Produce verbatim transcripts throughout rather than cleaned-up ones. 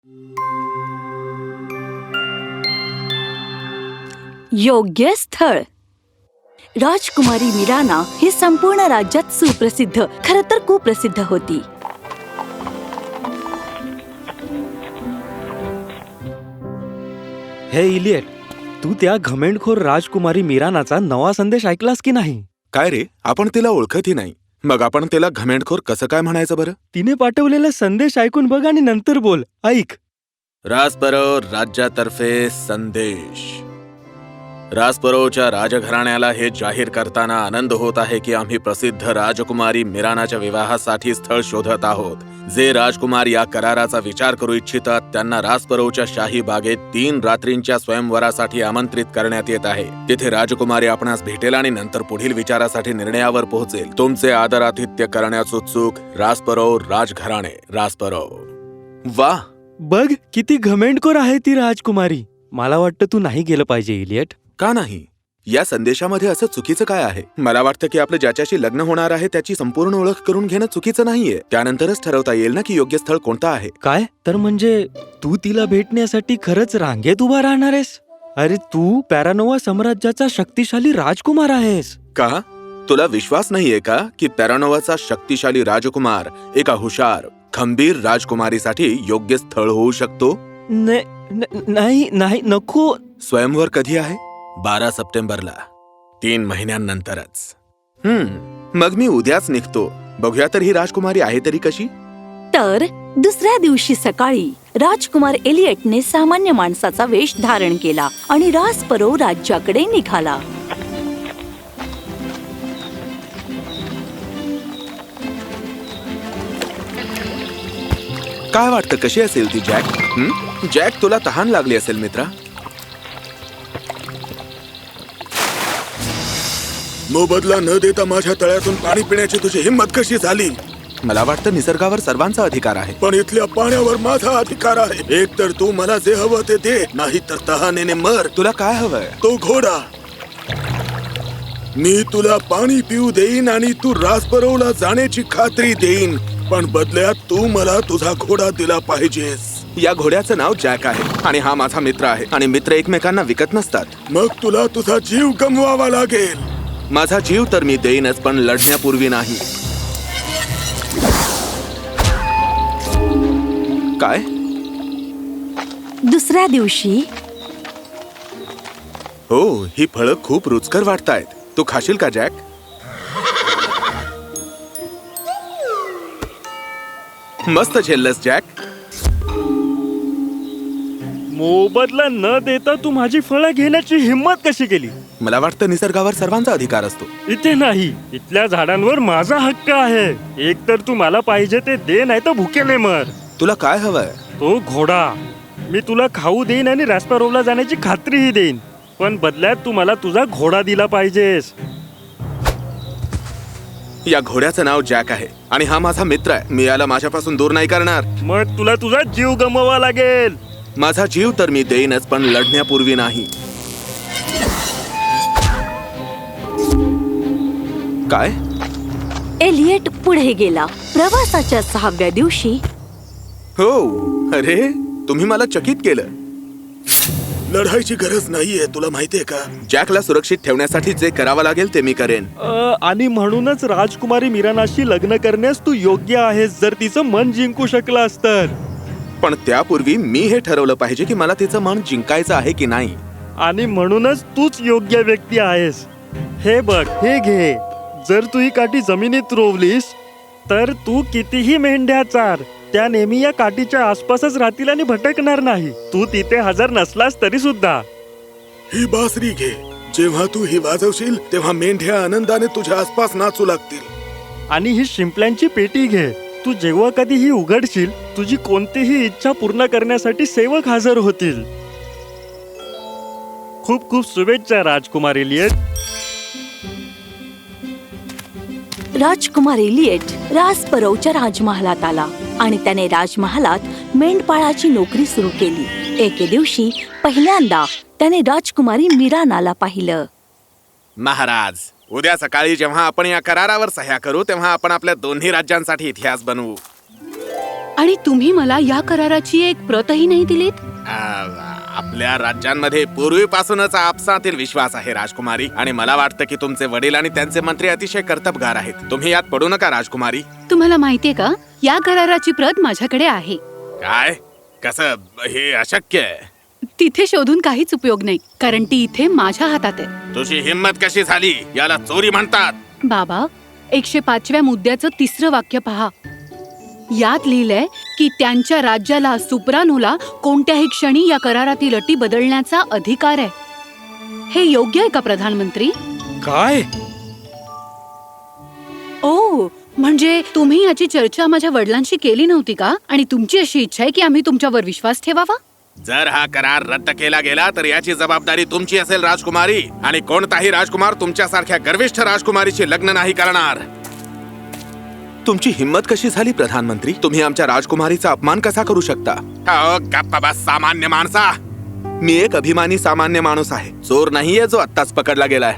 योग्य स्थळ. राजकुमारी मीराना ही संपूर्ण राज्यात सुप्रसिद्ध, खरं तर कुप्रसिद्ध होती. हे इलियट, तू त्या घमेंडखोर राजकुमारी मीरानाचा नवा संदेश ऐकलास की नाही? काय रे, आपण तिला ओळखतही नाही, मग आपण तिला घमेंडखोर कसं काय म्हणायचं बरं? तिने पाठवलेला संदेश ऐकून बघ आणि नंतर बोल. ऐक. राजपरो राज्यातर्फे संदेश. राजपरोच्या राजघराण्याला हे जाहीर करताना आनंद होत आहे की आम्ही प्रसिद्ध राजकुमारी मीरानाच्या विवाहासाठी स्थळ शोधत आहोत. जे राजकुमार या कराराचा विचार करू इच्छितात त्यांना राजपरोच्या शाही बागेत तीन रात्रींच्या स्वयंवरासाठी आमंत्रित करण्यात येत आहे. तिथे राजकुमारी आपणास भेटेल आणि नंतर पुढील विचारासाठी निर्णयावर पोहोचेल. तुमचे आदरातिथ्य करण्यास उत्सुक राजपरो राजघराणे. राजपरो. वा, बघ किती घमेंडखोर आहे ती राजकुमारी. मला वाटतं तू नाही गेलं पाहिजे इलियट. का नाही? या संदेशामध्ये असं चुकीचं काय आहे? मला वाटतं की आपलं ज्याच्याशी लग्न होणार आहे त्याची संपूर्ण ओळख करून घेणं चुकीचं नाहीये. त्यानंतरच ठरवता येईल ना की योग्य स्थळ कोणतं आहे. काय तर म्हणजे तू तिला भेटण्यासाठी खरंच रांगेत उभा राहणार आहेस? अरे तू पॅरानोवा साम्राज्याचा शक्तिशाली राजकुमार आहेस. का तुला विश्वास नाहीये का की पॅरानोवाचा शक्तिशाली राजकुमार एका हुशार खंबीर राजकुमारीसाठी योग्य स्थळ होऊ शकतो? न- न- नाही नाही नको. स्वयंवर कधी आहे? बारा सप्टेंबरला, तीन महिन्यांनंतरच. हम्म मग मी उद्याच निघतो. बघूया तर ही राजकुमारी आहे तरी कशी. तर दुसऱ्या दिवशी सकाळी राजकुमार एलियटने सामान्य माणसाचा वेश धारण केला आणि राजपरो राज्याकडे निघाला. काय वाटतं कशी असेल ती जॅक? हं? जॅक, तुला तहान लागली असेल मित्रा. मोबदला न देता माझ्या तळ्यातून पाणी पिण्याची तुझी हिंमत कशी झाली? मला वाटतं निसर्गावर सर्वांचा अधिकार आहे, पण इथल्या पाण्यावर माझा अधिकार आहे. एक तर तू मला जे हवं ते दे, नाही तर तहानेने मर. तुला काय हवंय? तो घोडा. मी तुला पाणी पिऊ देईन आणि तू राजपरोला जाण्याची खात्री देईन, पण बदल्यात तू मला तुझा घोडा दिला पाहिजेस. या घोड्याचं नाव जॅक आहे आणि हा माझा मित्र आहे आणि मित्र एकमेकांना विकत नसतात. मग तुला तुझा जीव गमवावा लागेल. माझा जीव तर मी देईनच, पण लढण्यापूर्वी नाही. काय? दुसऱ्या दिवशी हो, ही फळं खूप रुचकर वाटतायत. तू खाशील का जॅक? मस्त झेललंस जॅक. मोबदला न देता तू माझी फळं घेण्याची हिंमत कशी केली? मला वाटतं निसर्गावर सर्वांचा अधिकार असतो. इथे नाही, इथल्या झाडांवर माझा हक्क आहे. एक तर तू मला पाहिजे ते दे, नाही तर भुकेले मर. तुला काय हवंय? तो घोडा. मी तुला खाऊ देईन आणि रास्पारोवला जाण्याची खात्रीही देईन, पण बदल्यात तू मला तुझा घोडा दिला पाहिजेस. या घोड्याचं नाव जॅक आहे आणि हा माझा मित्र आहे. मी याला माझ्यापासून दूर नाही करणार. मग तुला तुझा जीव गमवावा लागेल. माझा जीव तर मी देईनच, पण लढण्यापूर्वी नाही. काय? एलियट पुढे गेला. प्रवासाच्या सहाव्या दिवशी हो, अरे तुम्ही मला चकित केलं. लढायची गरज नाहीये, तुला माहितीये का? जॅकला सुरक्षित ठेवण्यासाठी जे करावं लागेल ते मी करेन. अ, आणि म्हणूनच राजकुमारी मीरानाशी लग्न करण्यास तू योग्य आहेस, जर तिचं मन जिंकू शकलास तर. पण त्यापूर्वी मी हे ठरवलं पाहिजे की मला तिचं मन जिंकायचं आहे की नाही. आणि म्हणूनच तूच योग्य व्यक्ती आहेस. हे बघ, हे घे. जर तू ही काठी जमिनीत रोवलीस तर तू कितीही मेंढ्या चार, त्या नेहमी या काठीच्या आसपासच राहतील आणि भटकणार नाही. तू तिथे हजर नसलास तरी सुद्धा. ही बासरी घे. जेव्हा तू ही वाजवशील तेव्हा मेंढ्या आनंदाने तुझ्या आसपास नाचू लागतील. आणि ही शिंपल्यांची पेटी घे. तू जेव्हा कधी ही उघडशील, तुझी कोणतीही इच्छा पूर्ण करण्यासाठी सेवक हजर होतील. खूप खूप शुभेच्छा राजकुमार एलियट. राजकुमार एलियट राजपरोच्या राजमहालात आला आणि त्याने राजमहालात मेंढपाळाची नोकरी सुरू केली. एके दिवशी पहिल्यांदा त्याने राजकुमारी मीरानाला पाहिलं. महाराज, उद्या सकाळी जेव्हा आपण या करारावर सह्या करू तेव्हा आपण आपल्या दोन्ही राज्यांसाठी इतिहास बनवू. आणि तुम्ही मला या कराराची एक प्रतही नाही दिलीत. आ, आपल्या राज्यांमध्ये पूर्वीपासूनच आपसातील विश्वास आहे राजकुमारी, आणि मला वाटतं की तुमचे वडील आणि त्यांचे मंत्री अतिशय कर्तबगार आहेत. तुम्ही यात पडू नका राजकुमारी. तुम्हाला माहितीये का, या कराराची प्रत माझ्याकडे आहे. काय? कसं? हे अशक्य आहे. तिथे शोधून काहीच उपयोग नाही, कारण ती इथे माझ्या हातात आहे. तुझी हिंमत कशी झाली? याला चोरी म्हणतात. बाबा, एकशे पाचव्या मुद्द्याचं तिसरं वाक्य पहा. यात लिहिलंय की त्यांच्या राज्याला सुप्रानोला कोणत्याही क्षणी या करारातील अटी बदलण्याचा अधिकार आहे. हे योग्य आहे का प्रधानमंत्री? काय? ओ, म्हणजे तुम्ही याची चर्चा माझ्या वडिलांशी केली नव्हती का? आणि तुमची अशी इच्छा आहे की आम्ही तुमच्यावर विश्वास ठेवावा? जर हा करार रद्द केला गेला तर याची जबाबदारी तुमची असेल राजकुमारी, आणि कोणताही राजकुमार तुमच्यासारख्या गर्विष्ठ राजकुमारीशी लग्न नाही करणार. तुमची हिंमत कशी झाली प्रधानमंत्री? तुम्ही आमच्या राजकुमारीचा अपमान कसा करू शकता? अहो, गप्पा बस सामान्य माणसा. मी एक अभिमानी सामान्य माणूस आहे, चोर नाहीये जो आत्ताच पकडला गेलाय.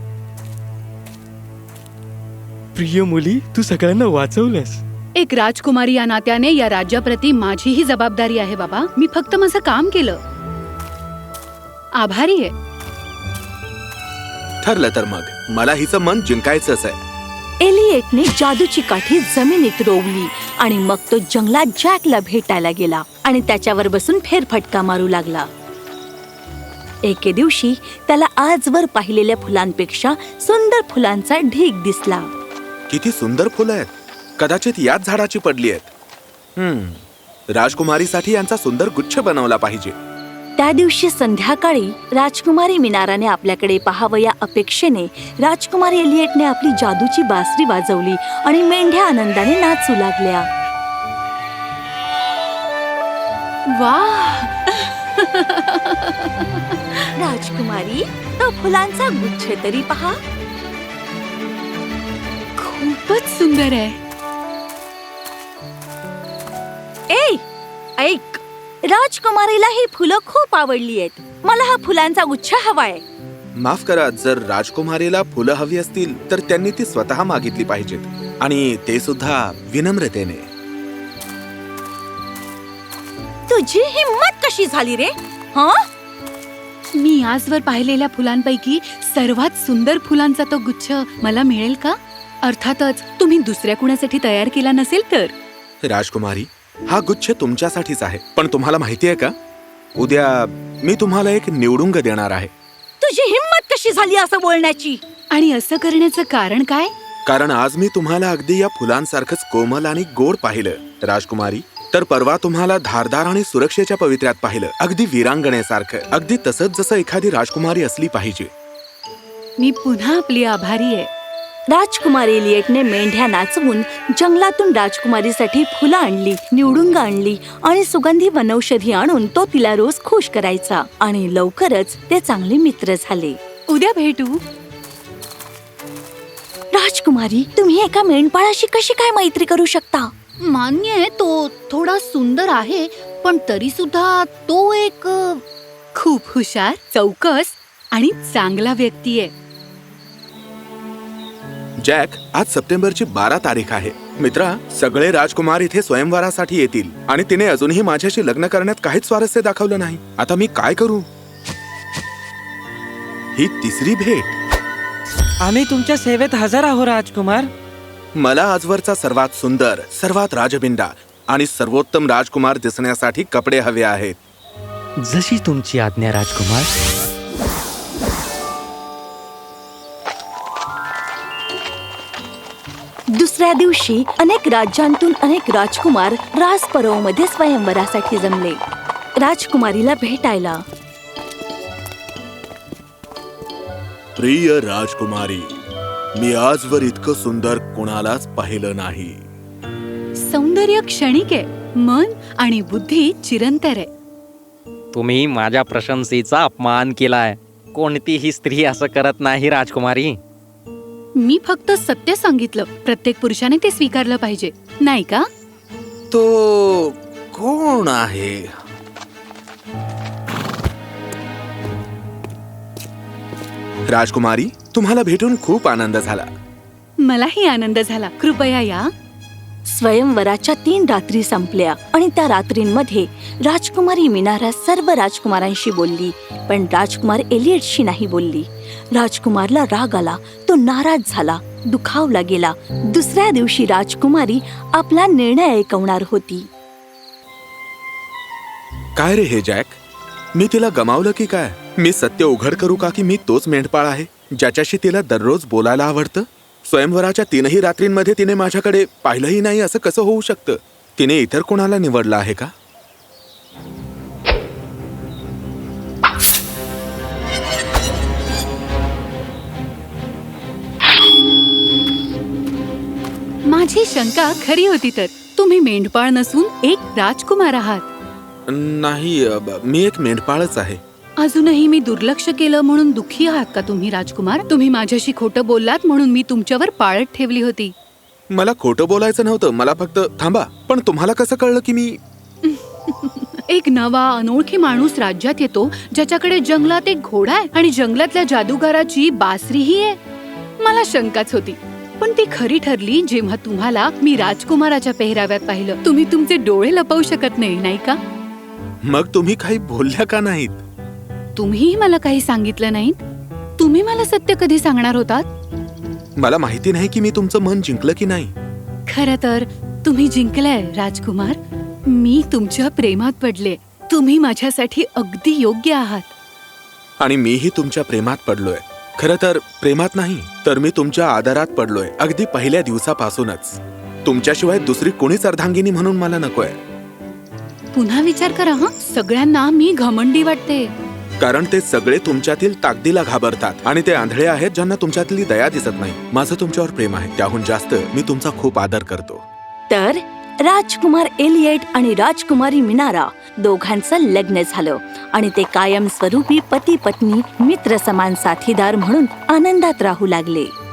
प्रिय मुली, तू सगळ्यांना वाचवलंस. एक राजकुमारी या नात्याने या राज्याप्रती माझीही जबाबदारी आहे बाबा. मी फक्त माझं काम केलं. आभारी आहे. ठरलं तर मग मला हिचं मन जिंकायचंच आहे. एलिएटने जादूची काठी जमिनीत रोवली आणि मग तो जंगलात जॅकला भेटायला गेला आणि त्याच्यावर बसून फेरफटका मारू लागला. एके दिवशी त्याला आजवर पाहिलेल्या फुलांपेक्षा सुंदर फुलांचा ढीग दिसला. किती सुंदर फुलं आहेत. कदाचित याच झाडाची पडली आहेत. हम्म, राजकुमारीसाठी यांचा सुंदर गुच्छ बनवला पाहिजे. त्या दिवशी संध्याकाळी राजकुमारी मिनाराने आपल्याकडे पाहावं या अपेक्षेने राजकुमारी एलिएटने आपली जादूची बासरी वाजवली आणि मेंढ्या आनंदाने नाचू लागल्या. वाह, राजकुमारी, तो फुलांचा गुच्छ तरी पहा. खूपच सुंदर आहे. ए, ऐक, राजकुमारीला ही फुलं खूप आवडली आहेत. मला हा फुलांचा गुच्छ हवाय. माफ करा, जर राजकुमारीला फुलं हवी असतील तर त्यांनी ती स्वतः मागितली पाहिजेत, आणि ते सुद्धा विनम्रतेने. तुझी हिम्मत कशी झाली रे? हा, मी आजवर पाहिलेल्या फुलांपैकी सर्वात सुंदर फुलांचा तो गुच्छ मला मिळेल का? अर्थातच तुम्ही दुसऱ्या कुणासाठी तयार केला नसेल तर. राजकुमारी, हा गुच्छ तुमच्यासाठीच आहे. पण तुम्हाला माहितीये का, उद्या मी तुम्हाला एक निवडुंग देणार आहे. तुझी हिम्मत कशी झाली असं बोलण्याची? आणि असं करण्याचं कारण काय? कारण आज मी तुम्हाला अगदी या फुलांसारखंच कोमल आणि गोड पाहिलं राजकुमारी. तर परवा तुम्हाला धारदार आणि सुरक्षेच्या पवित्र्यात पाहिलं, अगदी वीरांगणेसारखं, अगदी तसंच जसं एखादी राजकुमारी असली पाहिजे. मी पुन्हा आपली आभारी आहे. राजकुमारी एलिएटने मेंढ्या नाचवून जंगलातून राजकुमारीसाठी फुलं आणली, निवडुंग आणली आणि सुगंधी वनौषधी आणून तो तिला रोज खुश करायचा. आणि लवकरच ते चांगले मित्र झाले. उद्या भेटू. राजकुमारी, तुम्ही एका मेंढपाळाशी कशी काय मैत्री करू शकता? मान्य आहे, तो थोडा सुंदर आहे, पण तरी सुद्धा तो एक खूप हुशार, चौकस आणि चांगला व्यक्ती आहे. जॅक, आज सप्टेंबरची बारा तारीख आहे. मित्रा, सगळे राजकुमार इथे स्वयंवरासाठी येतील, आणि तिने अजूनही माझ्याशी लग्न करण्यात काहीच स्वारस्य दाखवलं नाही. आता मी काय करू? ही तिसरी भेट. आम्ही तुमच्या सेवेत हजर आहोत राजकुमार. मला आजवरचा सर्वात सुंदर, सर्वात राजबिंडा आणि सर्वोत्तम राजकुमार दिसण्यासाठी कपडे हवे आहेत. जशी तुमची आज्ञा राजकुमार. दुसऱ्या दिवशी अनेक राज्यांतून अनेक राजकुमार राजपरवमध्ये स्वयंवरासाठी जमले. राजकुमारीला भेटायला. प्रिय राजकुमारी, मी आजवर इतकं सुंदर कोणालाच पाहिलं नाही. सौंदर्य क्षणिक आहे, मन आणि बुद्धी चिरंतर आहे. तुम्ही माझ्या प्रशंसेचा अपमान केलाय. कोणतीही स्त्री असं करत नाही राजकुमारी. मी फक्त सत्य सांगितलं. प्रत्येक पुरुषाने ते स्वीकारलं पाहिजे, नाही का? तो कोण आहे? राजकुमारी, तुम्हाला भेटून खूप आनंद झाला. मलाही आनंद झाला. कृपया या. स्वयंवराच्या तीन रात्री संपल्या आणि त्या रात्रींमध्ये राजकुमारी मिनारा सर्व राजकुमारांशी बोलली, पण राजकुमार एलियटशी नाही बोलली. राजकुमारला राग आला, तो नाराज झाला, दुखावला गेला. दुसऱ्या दिवशी राजकुमारी आपला निर्णय ऐकवणार होती. काय रे हे जॅक, मी तिला गमावलं की काय? मी सत्य उघड करू का की मी तोच मेंढपाळ आहे ज्याच्याशी तिला दररोज बोलायला आवडतं? स्वयंवराच्या तीनही रात्रींमध्ये तिने माझ्याकडे पाहिलंही नाही असं कसं होऊ शकतं? तिने इतर कोणाला निवडलं आहे का? माझी शंका खरी होती. तर तुम्ही मेंढपाळ नसून एक राजकुमार आहात. नाही, अ, ब- मी एक मेंढपाळच आहे. अजूनही मी दुर्लक्ष केलं म्हणून दुःखी आहात का तुम्ही राजकुमार? तुम्ही माझ्याशी खोटं बोललात म्हणून मी तुमच्यावर पाळत ठेवली होती. मला खोटं बोलायचं नव्हतं, मला फक्त थांबा. पण तुम्हाला कसं कळलं की मी एक नवा अनोळखी माणूस राज्यात येतो ज्याच्याकडे जंगलात एक घोडा आहे आणि जंगलातल्या जादूगाराची बासरीही आहे. मला शंकाच होती, पण ती खरी ठरली जेव्हा तुम्हाला मी राजकुमाराच्या पेहराव्यात पाहिलं. तुम्ही तुमचे डोळे लपवू शकत नाही, नाही का? मग तुम्ही काही बोलल्या का नाहीत? तुम्हीही मला काही सांगितलं नाहीत. तुम्ही मला सत्य कधी सांगणार होतात? मला माहिती नाही की मी तुमचं मन जिंकलं की नाही. खरं तर तुम्ही जिंकलाय राजकुमार. मी तुमच्या प्रेमात पडले. तुम्ही माझ्यासाठी अगदी योग्य आहात. आणि मीही तुमच्या प्रेमात पडलोय. खरं तर प्रेमात नाही, तर मी तुमच्या आदरात पडलोय अगदी पहिल्या दिवसापासूनच. तुमच्याशिवाय दुसरी कोणीच अर्धांगिनी म्हणून मला नकोय. पुन्हा विचार करा हं. सगळ्यांना मी घमंडी वाटते. कारण ते सगळे तुमच्यातील ताकदीला घाबरतात आणि ते आंधळे आहेत ज्यांना तुमच्यातली दया दिसत नाही. माझं तुमच्यावर प्रेम आहे, त्याहून जास्त मी तुमचा खूप आदर करतो. तर राजकुमार एलियट आणि राजकुमारी मिनारा दोघांचं लग्न झालं आणि ते कायमस्वरूपी पती पत्नी मित्र समान साथीदार म्हणून आनंदात राहू लागले.